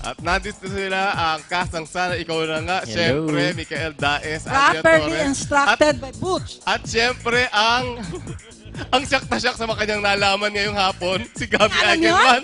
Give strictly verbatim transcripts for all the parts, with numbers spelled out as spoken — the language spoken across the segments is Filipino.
At nandito sila ang cast ng Sana Ikaw Na Nga. Hello. Siyempre, Michael Daes, Andrea Properly Torres. instructed At, by Butch. at siyempre, ang ang siyak na siyak sa mga kanyang nalaman ngayong hapon, si Gabby Alam yun? Eigenman.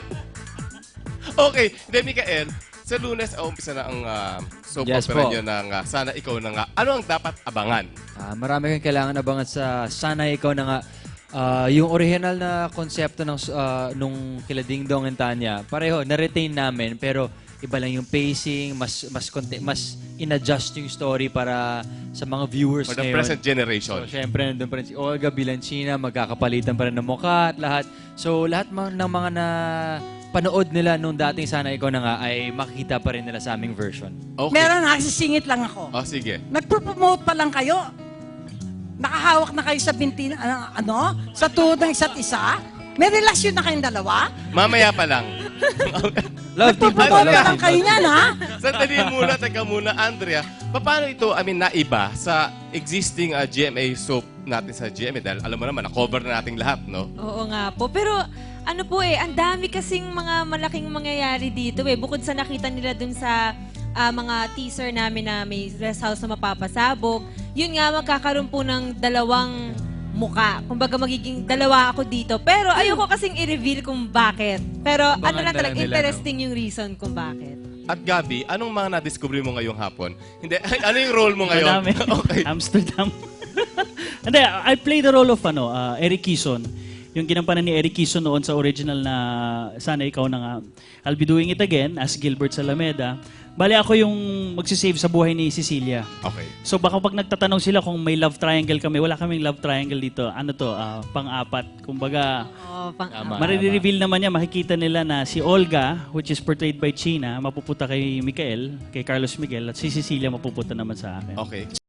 Okay, then Michael, sa Lunes, oh, umpisa na ang uh, soap Yes opera po. nyo ng uh, Sana Ikaw Na Nga. Ano ang dapat abangan? Ah, marami kang kailangan abangan sa Sana Ikaw Na Nga. Ah, yung original na konsepto ng ah, nung kila Ding Dong and Tanya, pareho, na-retain namin, pero iba lang yung pacing, mas mas conte- mas in-adjust yung story para sa mga viewers For the ngayon. present generation. So, syempre, nandun pa rin si Olga Bilancina, magkakapalitan pa rin ng mukha at lahat. So, lahat ma- ng mga na panood nila nung dating Sana Ikaw Na Nga ay makikita pa rin nila sa aming version. Okay. Meron, nagsisingit lang ako. Oh, sige. Nagpo-promote pa lang kayo. Nakahawak na kayo sa binti, ano, ano, sa tuhod ng isa't isa. May relasyon na kayong dalawa. Mamaya pa lang. Love team po. Nagpo-promote Love pa lang team. kayo niyan, ha? Sandali muna, teka muna, Andrea. Paano ito, I mean, naiba sa existing uh, G M A soap natin sa G M A? Dahil alam mo naman, na-cover na nating lahat, no? Oo nga po. Pero ano po eh, ang dami kasing mga malaking mangyayari dito eh. Bukod sa nakita nila dun sa ah, mga teaser namin na may rest house na mapapasabog, yun nga magkakaroon po ng dalawang muka. Kumbaga magiging dalawa ako dito. Pero ayoko kasing i-reveal kung bakit. Pero ano Abangan lang na talaga, lang nila, interesting yung reason kung bakit. At Gabi, anong mga na-discover mo ngayong hapon? Hindi, ano yung role mo ngayon? Madami. Okay. Amsterdam. Hindi, I play the role of ano, uh, Eric Kison. Yung ginampanan ni Eric Kison noon sa original na Sana Ikaw Na Nga. I'll be doing it again as Gilbert Salameda. Bali ako yung magsisave sa buhay ni Cecilia. Okay. So baka pag nagtatanong sila kung may love triangle kami, wala kaming love triangle dito. Ano to, ah, pang-apat. Kumbaga, Oh, pang Tama. marireveal naman niya, makikita nila na si Olga, which is portrayed by China, mapupunta kay Mikael, kay Carlos Miguel, at si Cecilia mapupunta naman sa akin. Okay.